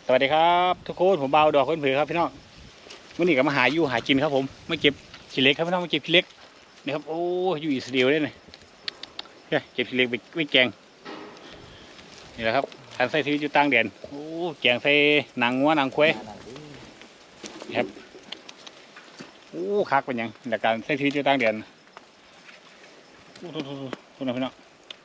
สวัสดีครับทุกคนผมเบาดอกคนเผือครับพี่น้องวันนี้ก็มาหาอยู่หากินครับผมมาเก็บขี้เหล็กครับพี่น้องมาเก็บขี้เหล็กนี่ครับโอ้อยู่อิสราเอลเลยเนี่ยเก็บขี้เหล็กไปแกงนี่แหละครับการใช้ชีวิตอยู่ต่างแดนโอ้แกงใส่หนังวัวหนังควายครับโอ้คักเป็นยังแต่การใช้ชีวิตอยู่ต่างแดนโอ้ทุกพี่น้อง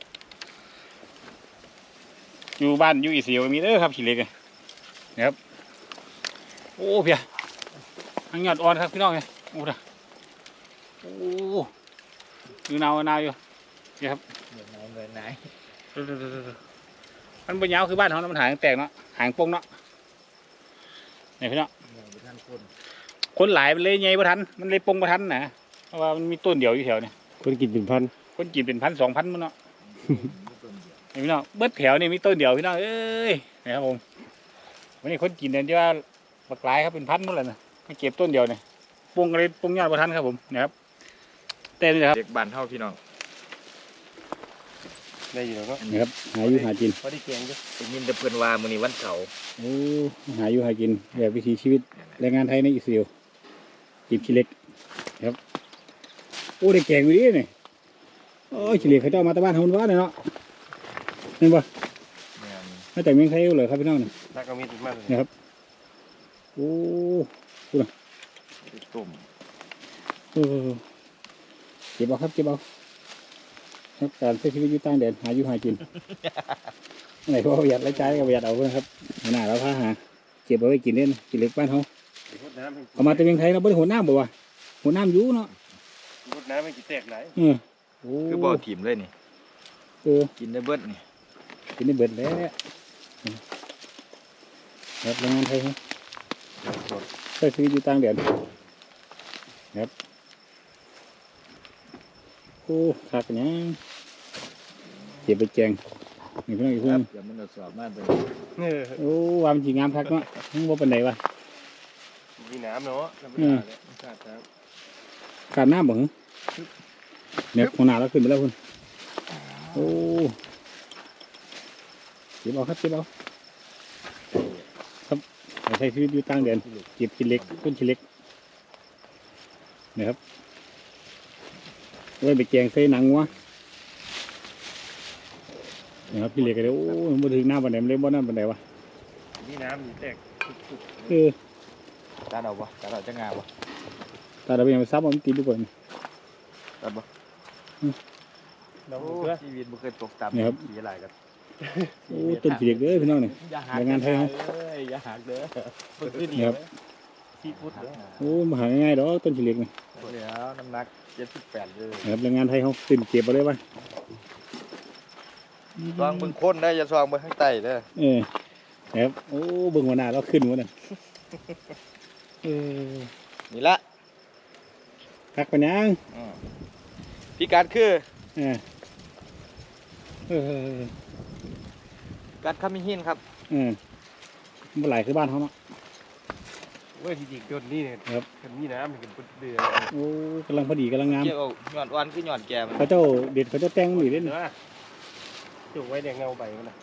อยู่บ้านอยู่อิสราเอลมีเด้อครับขี้เหล็กนะครับโอ้เพียอังยอดอ่อนครับพี่น้องเนี่ยโอ้ด่ะโอ้อยู่หนาวอยู่นี่ครับเหมือนไหนมันเป็นยาวคือบ้านเขามันหางแตกเนาะหางปงเนาะเนี่ยพี่น้องคนหลายมันเลยไงบ่ทันมันเลยปงบ่ทันนะเพราะว่ามันมีต้นเดียวอยู่แถวเนี่ยคนกินเป็นพันคนกินเป็น1,000 2,000มันเนาะเนี่ยพี่น้องเบิดแถวนี่มีต้นเดียวพี่น้องเอ้ยนะครับผมวันนี้คนกินเนี่ยที่ว่าบักหลายครับเป็นพันหมดเลยนะมาเก็บต้นเดียวเนี่ยปงอะไรปงยอดบ่ทันครับผมนะครับเต้นเลยครับเด็กบ้านเท่าพี่น้องได้อยู่แล้วก็นี่ครับหาอยู่หากินพอได้เกียงด้วยได้ยินแต่เพื่อนว่ามื้อนี้วันเสาร์โอ้หาอยู่หากินแบบวิถีชีวิตแรงงานไทยในอิสราเอลกินขี้เหล็กครับโอ้ได้แกงอยู่ดิเนี่ยโอ้ขี้เหล็กเขาเจ้ามาตะบ้านเฮาว่าเลยเนาะเห็นปะมาจากเมืองไทยเลยครับพี่น้องเนี่ยน่าก็มีติดมากเลยนะครับโอ้ดูนะตุ่มเก็บเอาครับเก็บเอาครับการใช้ชีวิตอยู่ต่างแดนหาอยู่หากินไหนพอประหยัดรายจ่ายก็ประหยัดเอาเลยครับหน้าเราพาหาเก็บเอาไว้กินเล่นกินเล็กบ้านเขาเอามาจากเมืองไทยเราไม่ได้หัวน้ำบ่วะหัวน้ำยูเนาะรดน้ำไม่กี่แตกไหลคือบ่อถิ่มเลยนี่กินได้เบิดนี่กินได้เบิดแล้วครับแรงงานไทยครับใช้ชีวิตอยู่ต่างแดนครับโอ้ขาดกันยังเก็บไปแกงนี่เพื่อนอีกเพื่อนอย่ามันสอบมากเลยโอ้วามจีงามทักเนาะทั้งบ่เป็นไหนวะมีน้ำเนาะขาดน้ำบ่เหรอเนี่ยหัวหน้าเราขึ้นไปแล้วคุณโอ้เก็บเอาครับเก็บเอาครับใช้ชีวิตอยู่ต่างแดนเก็บขี้เหล็กต้นขี้เหล็กนะครับไว้ไปแกงใส่หนังวะนะครับขี้เหล็กกันเลยโอ้มาถึงหน้าบันไดมันเลยบ่หน้าบันไดวะมีน้ำมีแตกตาเราปะตาเราจะงาปะตาเราไปยังไปซับมันกินดีกว่าตัดปะเราชีวิตมันเคยตกต่ำนะครับสีอะไรกันโอ้ต้นขี้เหล็กเด้อพี่น้องเนี่ยแรงงานไทยเขาอย่าหักเด้อครับที่พุทธโอ้มาหาง่ายๆดอกต้นขี้เหล็กเนี่ยเดี๋ยวน้ำหนัก78เลยครับแรงงานไทยเขาตื่นเก็บมาเลยป่ะซองเบิ่งคนได้อย่าซองเบิ่งข้างใต้เด้อครับโอ้เบิ่งหัวหน้าเราขึ้นหมดเลยนี่ละคักปัญญาพิกัดคือกัดขมิ้นหินครับเมื่อไหร่คือบ้านเขาเนาะเว้ยจริงๆต้นนี้เนี่ยครับมีน้ำมันเป็นเดือดโอ้กำลังพอดีกำลังงามเกี่ยวหย่อนวันคือหย่อนแก่เขาเจ้าเด็ดเขาเจ้าแตงหนีเล่นจุกไว้แดงเงาใบมัน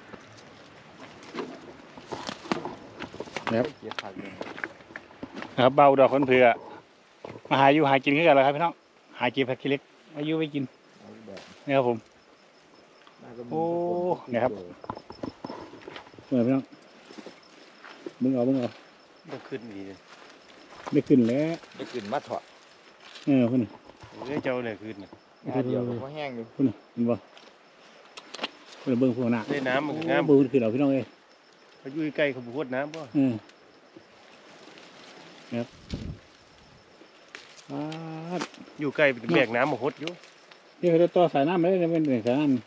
นะครับเบาดอกคนเผื่อมาหาอยู่หากินขึ้นกันเลยครับพี่น้องหาเก็บผักขี้เหล็กอายุไว้กินนี่ครับผมโอ้เนี่ยครับเมื่อพี่น้องมึงเอาได้ขึ้นดีเลยได้ขึ้นแล้วได้ขึ้นมาถอดคุณเจ้าเลยขึ้นเดียวก็แห้งอยู่คุณเห็นบ่คุณเบิ้งพวกน่ะได้น้ำมันน้ำเบิ้งขึ้นเอาพี่น้องเอ้ยเขาอยู่ใกล้เขาพูดน้ำป่ะครับอยู่ใกล้เป็นแบกน้ำมาหดอยู่นี่เขาจะต่อสายน้ำไม่ได้เป็นสายน้ำ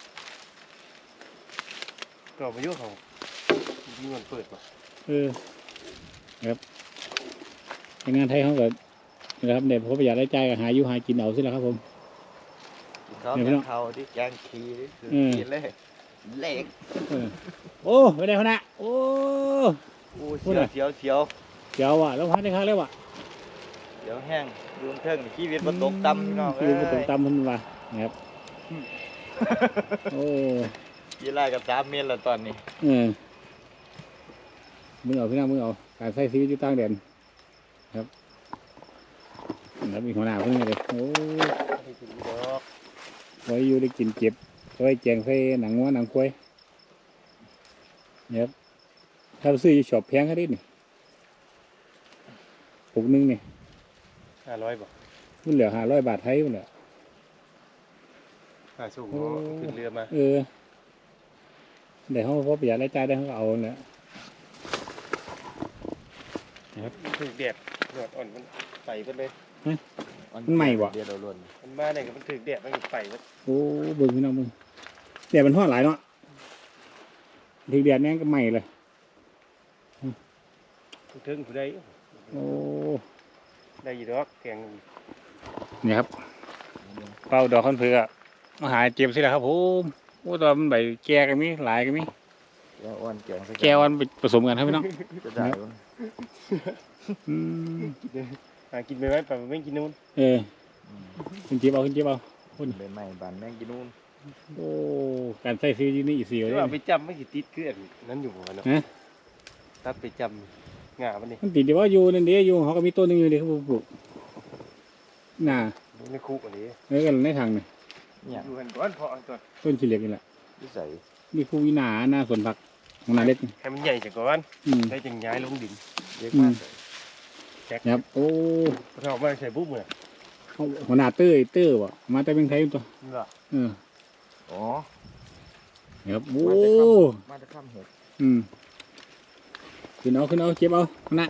ก็มาเยอะเขามีเงินเปิดป่ะครับงานไทยเขาก็นะครับเด็กเขาประหยัดรายจ่ายก็หาอยู่หากินเอาสิแล้วครับผมเขาที่แกงขี้กินเลยเล็กโอ้ไม่ได้ขนาดโอ้เสียวว่ะแล้วพักได้ครั้งแล้วว่ะเดี๋ยวแห้งดูเทิงชีวิตมันตกต่ำพี่น้องชีวิตมันตกต่ำมันว่ะนะครับโอ้กี่ไร่กับ3 เมตรแล้วตอนนี้มึงเอาพี่น้องมึงเอาการใช้ชีวิตอยู่ต่างแดนครับแล้วมีหัวหน้าเพิ่งเลยโอ้ให้กินดอกไว้อยู่ได้กินเจ็บไว้แจงใส่หนังวัวหนังควายเนี่ยครับถ้าซื้ออยู่ช็อปแพงแค่นี้นี่ปุกนึงนี่ 500บ่มันเหลือ500 บาทไทยมันเหลือค่าส่งขึ้นเรือมาเดี๋ยวเขาพอประหยัดรายจ่ายได้เขาก็เอาเนี่ยถึกแดดยอดอ่อนมันไปเบิดเลยมันใหม่บ่เดียวเราล้วนมันมาเนี่ยก็มันถึกแดดมันไปเบิดโอ้เบิ่งพี่น้องเบิ่งแต่มันทอดหลายเนาะถึงเดือนนี้ก็ใหม่เลยถึงผู้ใดโอ้ได้อยู่ดอกแกงนี่ครับเป่าดอกคอนเผือกมาหาเจ็บสิแหละครับผมโอ้ตอนมันใบแก่กันมีหลายกันมีแก้วอ้วนแกงใส่แก่วันผสมกันครับพี่น้องจะได้บ่อืมหากินไปไว้ไปไม่กินนู่นขึ้นเจ็บเอาขึ้นเจ็บเอาเป็นใหม่บานแมงกินนู่นโอ้การใส่ซื้อนี่อีกสี่เลยว่าไปจำไม่กี่ติดคืออันนั้นอยู่หัวเนาะถ้าไปจำงามันนี่มันติดเดี๋ยวว่าอยู่นั่นเดียวอยู่เขาก็มีต้นหนึงอยู่เดียวเขาปลูกน่ะในคุกอันนี้แล้วกันในทางนี่เนี่ยอยู่กันก่อนพอก่อนต้นขี้เหล็กนี่แหละนิสัยมีคูวินาหน้าสวนผักของนาเล็กให้มันใหญ่จากก่อนอืมได้จังย้ายลงดินเรียกมากแจ็คครับโอ้เราเอามาใส่ปุ๊บเลยหัวหน้าเต้อวะมาแต่เป็นไทยตัวนี่เหรออ๋อครับโอ้มาจะข้ามเห็ดขึ้นเอาเก็บเอานะ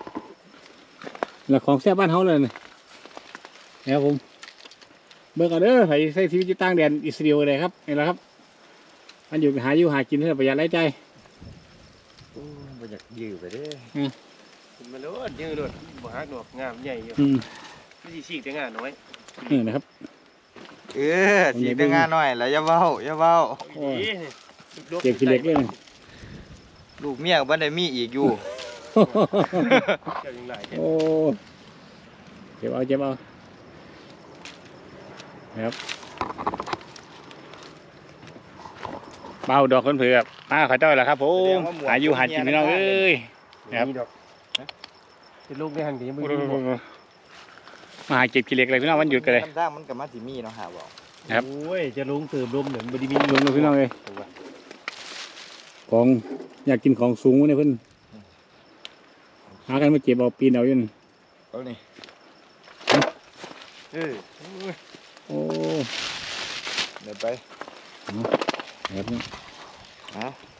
แล้วของแซ่บบ้านเขาเลยนี่ครับผมเบิกเอาเด้อใส่ใช้ชีวิตอยู่ต่างแดนอิสราเอลเลยครับนี่แหละครับมันอยู่หากินเพื่อประหยัดรายจ่ายบ่อยากยื้อไปเด้ขึ้นมาโลดยืดโลดบ่ฮักดอกงามใหญ่อยู่ไม่ใช่ฉีกแต่งาน้อยนะครับสีแต่งานหน่อยแล้วอย่าเว้าอย่าเว้าเก็บขี้เหล็กเลยนะลูกเมียบ่ได้มีอีกอยู่เจ้ายังหลายโอ้เก็บเอานะครับเบาดอกคนเผือกมาขอเจ้าแหละครับผมหาอยู่หากินพี่น้องเอ้ย ครับนี่ดอกเป็นลูกได้หันดีมึงมาหาเก็บขี้เหล็กเลยพี่น้องวันหยุดกันเลยน้ำด่างมันก็มาสิมีเนาะหาบ่ครับโอ้ยจะลงเติมลมเนี่ยบไดีมีลงพี่น้องเลยของอยากกินของสูงเนี่ยเพิ่นหากันมาเก็บเอาปีนเอาอยู่นั่นเอานี่โอ้เดี๋ยวไปแบบนี้ฮะ